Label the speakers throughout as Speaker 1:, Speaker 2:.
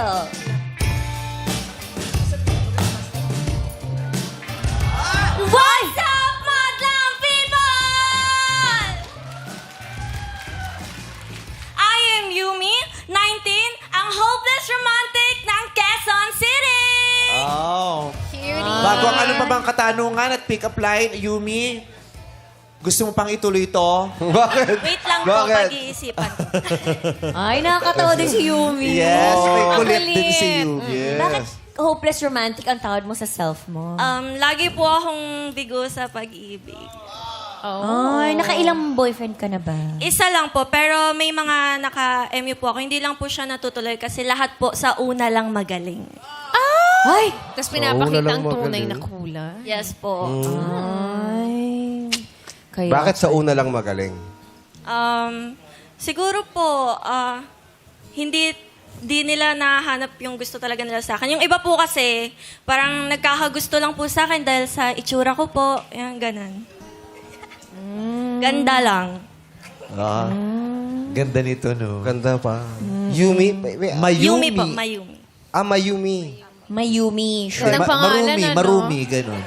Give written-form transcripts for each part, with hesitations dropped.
Speaker 1: Phil. What's up, madlang people? I am Yumi, 19, ang hopeless romantic ng Quezon City.
Speaker 2: Oh.
Speaker 1: Cutie.
Speaker 2: Bago ang ano pa bang katanungan at pick-up line, Yumi, gusto mo pang ituloy to?
Speaker 3: Bakit?
Speaker 1: Wait lang po,
Speaker 3: Bakit?
Speaker 1: pag-iisipan ko.
Speaker 4: Ay, nakakatawa din si Yumi.
Speaker 2: Yes, may
Speaker 4: Ang
Speaker 2: kulit din
Speaker 4: kulit.
Speaker 2: si Yumi.
Speaker 3: Yes.
Speaker 4: Bakit hopeless romantic ang tawad mo sa self mo?
Speaker 1: Lagi po akong bigo sa pag-ibig.
Speaker 4: Ay, nakailang boyfriend ka na ba?
Speaker 1: Isa lang po, pero may mga naka-MU po ako. Hindi lang po siya natutuloy kasi lahat po sa una lang magaling.
Speaker 4: Ay!
Speaker 5: Tapos
Speaker 3: Oo,
Speaker 5: pinapakita
Speaker 3: wala
Speaker 5: ang
Speaker 3: lang
Speaker 5: tunay
Speaker 3: magaling.
Speaker 5: na kulay.
Speaker 1: Yes po.
Speaker 4: Ay. Kaya,
Speaker 3: Bakit sa una lang magaling?
Speaker 1: Siguro po, hindi nila nahanap yung gusto talaga nila sa akin. Yung iba po kasi, parang nagkakagusto lang po sa akin dahil sa itsura ko po. Yan, ganun. Ganda lang.
Speaker 2: Ah, ganda nito, no?
Speaker 3: Ganda pa. Yumi?
Speaker 2: Mayumi.
Speaker 1: Yumi po, Mayumi.
Speaker 3: Ah, Mayumi.
Speaker 4: Mayumi. Sure.
Speaker 5: Ng pangalan, ano?
Speaker 2: Marumi, ganun.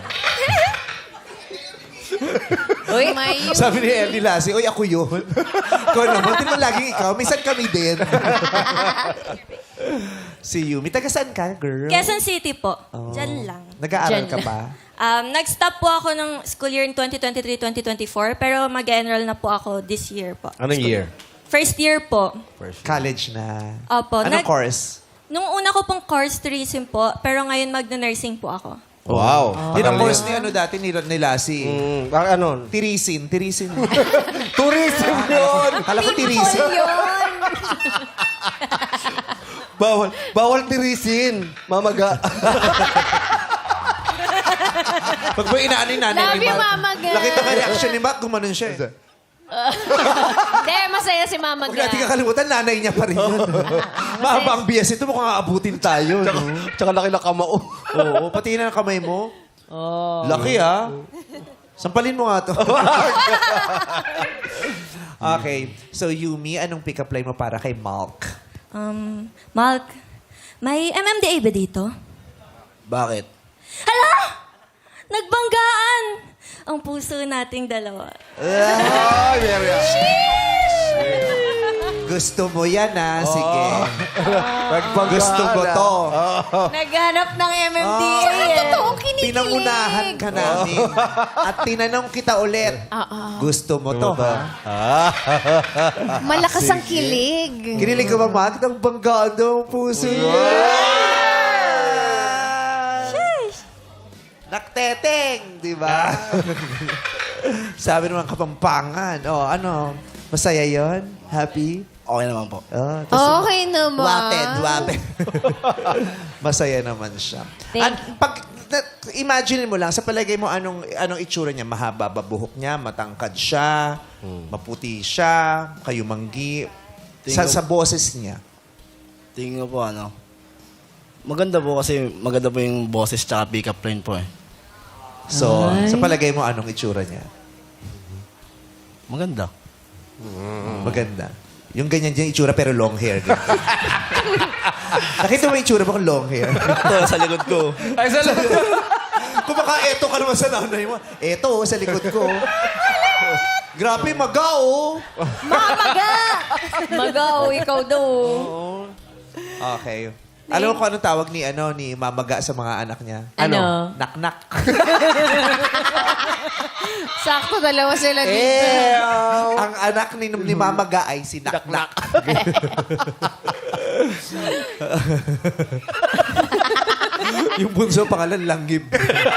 Speaker 4: Uy,
Speaker 2: Sabi ni Ellie Lassie, oy, ako yun. Ikaw naman, di ba laging ikaw? Minsan kami din. Si Yumi. Taga saan ka, girl?
Speaker 1: Quezon City po.
Speaker 2: Oh.
Speaker 1: Diyan lang.
Speaker 2: Nag-aaral
Speaker 4: Diyan
Speaker 2: ka
Speaker 4: lang.
Speaker 2: pa?
Speaker 1: Nag-stop po ako ng school year in 2023-2024, pero mag-enroll na po ako this year po.
Speaker 3: Anong year?
Speaker 1: First year po.
Speaker 2: College na.
Speaker 1: Opo.
Speaker 2: Anong course?
Speaker 1: Nung una ko pong course tourism po, pero ngayon magna-nursing po ako.
Speaker 3: Wow.
Speaker 2: Yun ang course ni ano dati ni Lassie.
Speaker 3: Ano?
Speaker 2: Tirisin.
Speaker 3: Tourism yun!
Speaker 2: Kala ko tirisin.
Speaker 3: Bawal tirisin. Mamaga.
Speaker 2: Pag mo inaano yung nanay
Speaker 5: Love
Speaker 2: ni
Speaker 5: you,
Speaker 2: Mark.
Speaker 5: Mama Ga.
Speaker 2: Nakita ka reaction ni Mark, gumanon siya.
Speaker 5: Hindi, masaya si Mama
Speaker 2: Huwag
Speaker 5: Ga.
Speaker 2: natin kakalimutan, nanay niya pa rin yun. Mahaba ang bias ito, mukhang aabutin tayo. No?
Speaker 3: Tsaka laki na kamao.
Speaker 2: Oo, pati na ang kamay mo. Laki, ha? Sampalin mo nga to. Okay. So, Yumi, anong pick-up line mo para kay Malk?
Speaker 1: Malk, may MMDA ba dito?
Speaker 2: Bakit?
Speaker 1: Hala! Nagbanggaan! Ang puso nating dalawa.
Speaker 3: Ay, Maria.
Speaker 2: Gusto mo yan, ha? Sige. Gusto mo to.
Speaker 4: Naghanap ng MMDA.
Speaker 5: Totoong kinikilig.
Speaker 2: Pinangunahan ka namin. At tinanong kita ulit. Gusto mo to, ha?
Speaker 5: Malakas ang kilig.
Speaker 2: Kinilig ka ba, Mark? Nang banggaan daw ang puso niya. Nakteteng, di ba? Sabi naman Kapampangan. Oh, ano? Masaya yon? Happy?
Speaker 6: Okay naman po.
Speaker 2: Oh,
Speaker 5: Okay naman.
Speaker 2: Waped. Masaya naman siya. Imagine mo lang, sa palagay mo, anong itsura niya? Mahaba ba buhok niya? Matangkad siya? Maputi siya? Kayumanggi? Sa boses niya?
Speaker 6: Tingin ko po maganda po kasi maganda po yung boses tsaka pick-up line po eh.
Speaker 2: So, sa palagay mo, anong itsura niya?
Speaker 6: Maganda.
Speaker 2: Maganda. Yung ganyan dyan itsura pero long hair. Nakita mo yung itsura mo kung long hair?
Speaker 6: Ito, sa likod ko.
Speaker 2: Ay, sa likod. Kung baka eto ka naman sa nanay mo. Eto, sa likod ko. Grabe, maga, oh.
Speaker 4: Magaw, ikaw daw.
Speaker 2: Okay. Alam mo kung anong tawag ni Mamaga sa mga anak niya?
Speaker 4: Ano?
Speaker 2: Nak-nak.
Speaker 5: Sakto dalawa sila dito.
Speaker 2: Ang anak ni Mamaga ay si Nak-nak. Yung bunso pangalan Langgib.